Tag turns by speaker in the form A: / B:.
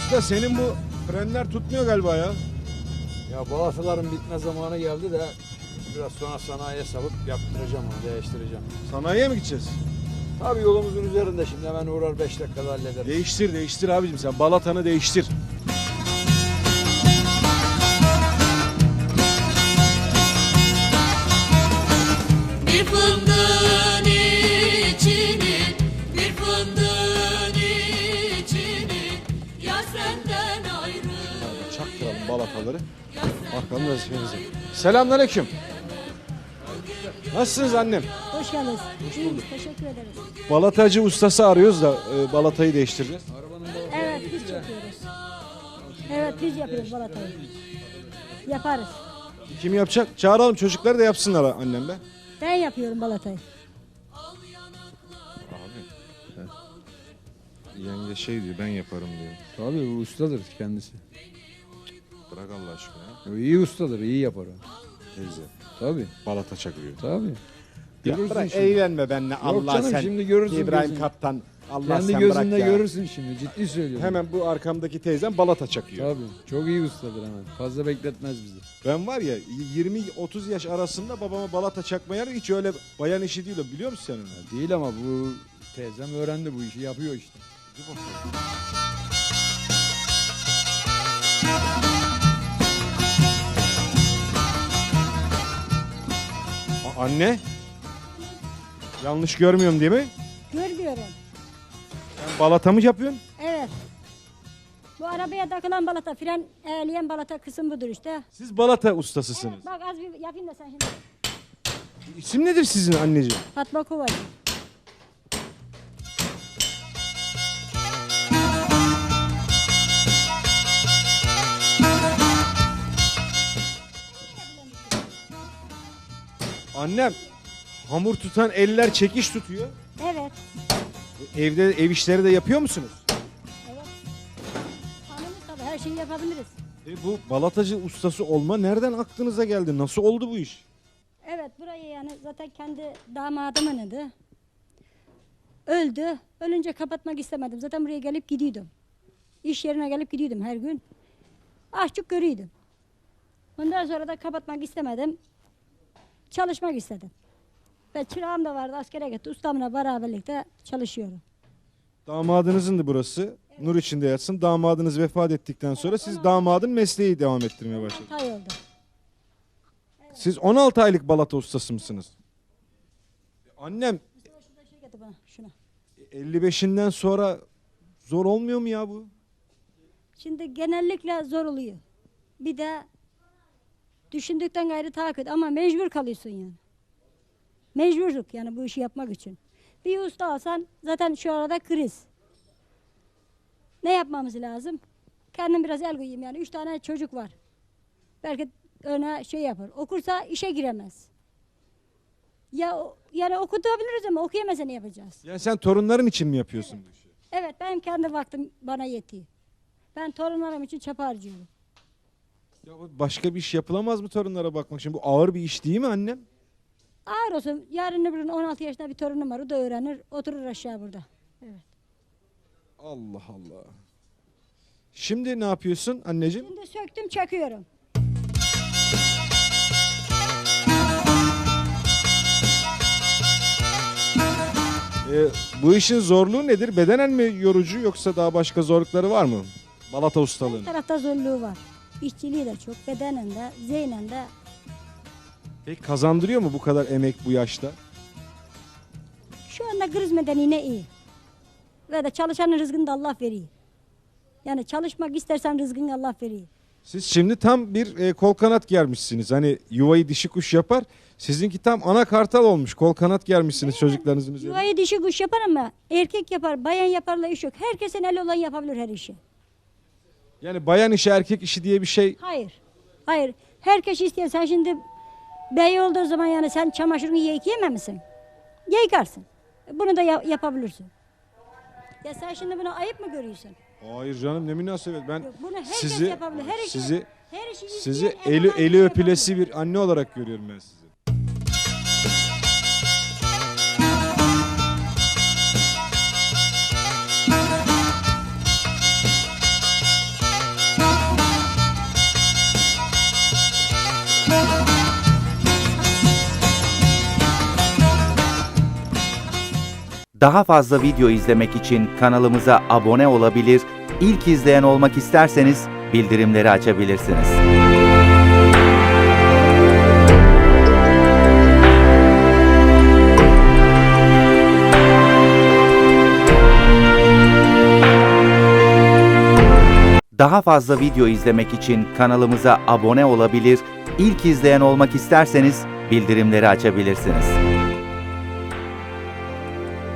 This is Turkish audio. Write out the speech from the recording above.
A: Usta senin bu frenler tutmuyor galiba ya.
B: Ya balataların bitme zamanı geldi de biraz sonra sanayiye salıp yaptıracağım onu, değiştireceğim.
A: Sanayiye mi gideceğiz?
B: Tabii yolumuzun üzerinde şimdi hemen uğrar 5 dakikada hallederim.
A: Değiştir abicim, sen balatanı değiştir.
C: Bir fındığın içini, bir fındığın içini, ya senden ayrı.
A: Çaktıralım balataları. Bakalım vazifemize. Selamünaleyküm. Nasılsınız annem?
D: Hoş geldiniz. İyiyiz, teşekkür ederiz.
A: Balatacı ustası arıyoruz da balatayı değiştireceğiz.
D: Evet, biz çekiyoruz. Evet, biz yapıyoruz balatayı. Yaparız.
A: Kim yapacak? Çağıralım çocukları da yapsınlar annem be.
D: Ben yapıyorum balatayı.
A: Yenge şey diyor, ben yaparım diyor.
B: Tabii bu ustadır kendisi.
A: Bırak Allah aşkına.
B: O iyi ustadır, iyi yapar o.
A: Teyze.
B: Tabii,
A: Balata çakıyor.
B: tabii.
A: Ya
B: Görürsün
A: bırak
B: şimdi.
A: eğlenme benimle Allah
B: canım,
A: sen.
B: şimdi görürsün
A: İbrahim
B: gözünle.
A: Kaptan. Allah
B: Kendi
A: sen
B: gözünle
A: bırak ya.
B: görürsün şimdi, ciddi söylüyorum.
A: Hemen bu arkamdaki teyzem balata çakıyor.
B: Tabii, çok iyi ustadır hemen. Fazla bekletmez bizi.
A: Ben var ya 20-30 yaş arasında babama balata çakmaya hiç öyle bayan işi değil o, biliyor musun sen onu?
B: Değil ama bu teyzem öğrendi bu işi, yapıyor işte.
A: Anne. Yanlış görmüyorum değil mi?
D: Görmüyorum.
A: Sen balata mı yapıyorsun?
D: Evet. Bu arabaya takılan balata, fren eğleyen balata kısım budur işte.
A: Siz balata ustasısınız.
D: Evet, bak az bir yapayım da sen şimdi.
A: İsim nedir sizin anneciğim?
D: Fatma Kovacı.
A: Annem hamur tutan eller çekiş tutuyor.
D: Evet.
A: Evde ev işleri de yapıyor musunuz?
D: Evet. Hanımız tabii her şeyi yapabiliriz.
A: Bu balatacı ustası olma nereden aklınıza geldi? Nasıl oldu bu iş?
D: Evet, burayı yani zaten kendi damadımın adı. Öldü. Ölünce kapatmak istemedim. Zaten buraya gelip gidiyordum. İş yerine gelip gidiyordum her gün. Açık görüyordum. Ondan sonra da kapatmak istemedim. Çalışmak istedim. Ve çırağım da vardı, askere gitti. Ustamla beraberlikte çalışıyorum.
A: Damadınızın da burası. Nur içinde yatsın. Damadınız vefat ettikten sonra siz damadın mesleği devam ettirmeye başladınız.
D: 6 ay oldu.
A: Siz 16 aylık balata ustası mısınız? Annem
D: Şurada şey getir bana, şuna.
A: 55'inden sonra zor olmuyor mu ya bu?
D: Şimdi genellikle zor oluyor. Bir de düşündükten gayrı daha kötü ama mecbur kalıyorsun yani. Mecburluk yani bu işi yapmak için. Bir usta alsan zaten şu arada kriz. Ne yapmamız lazım? Kendim biraz el koyayım yani. 3 tane çocuk var. Belki öne şey yapar. Okursa işe giremez. Yani okutabiliriz ama okuyamasa ne yapacağız?
A: Yani sen torunların için mi yapıyorsun bu işi?
D: Evet, benim kendi vaktim bana yetiyor. Ben torunlarım için çapa harcıyorum.
A: Ya başka bir iş yapılamaz mı torunlara bakmak için? Bu ağır bir iş değil mi annem?
D: Ağır olsun. Yarın öbür gün 16 yaşında bir torunum var. O da öğrenir. Oturur aşağı burada. Evet.
A: Allah Allah. Şimdi ne yapıyorsun anneciğim?
D: Şimdi söktüm çakıyorum.
A: Bu işin zorluğu nedir? Bedenen mi yorucu yoksa daha başka zorlukları var mı? Balata
D: Her
A: ustalığın.
D: tarafta zorluğu var. İşçiliği de çok. Bedenen de, zihnen de.
A: Peki kazandırıyor mu bu kadar emek bu yaşta?
D: Şu anda kriz medeniğine iyi. Ve de çalışanın rızkını da Allah veriyor. Yani çalışmak istersen rızkını Allah veriyor.
A: Siz şimdi tam bir kol kanat germişsiniz. Hani yuvayı dişi kuş yapar. Sizinki tam ana kartal olmuş. Kol kanat germişsiniz çocuklarınızın üzerine.
D: Yuvayı dişi kuş yapar ama erkek yapar, bayan yaparla iş yok. Herkesin eli olan yapabilir her işi.
A: Yani bayan işi erkek işi diye bir şey.
D: Hayır. Hayır. Herkes isteyen. Sen şimdi bey olduğu zaman yani sen çamaşırını yıkayamaz mısın? Yıkarsın. Bunu da yapabilirsin. Ya sen şimdi bunu ayıp mı görüyorsun?
A: Hayır canım, ne münasebet. Ben
D: Yok, bunu herkes
A: sizi
D: yapabilir. Her işi,
A: sizi
D: her işi
A: sizi
D: isteyen
A: eli
D: olan işi
A: eli öpülesi
D: yapabilir.
A: bir anne olarak görüyorum ben sizi.
E: Daha fazla video izlemek için kanalımıza abone olabilir, ilk izleyen olmak isterseniz bildirimleri açabilirsiniz. Daha fazla video izlemek için kanalımıza abone olabilir, ilk izleyen olmak isterseniz bildirimleri açabilirsiniz.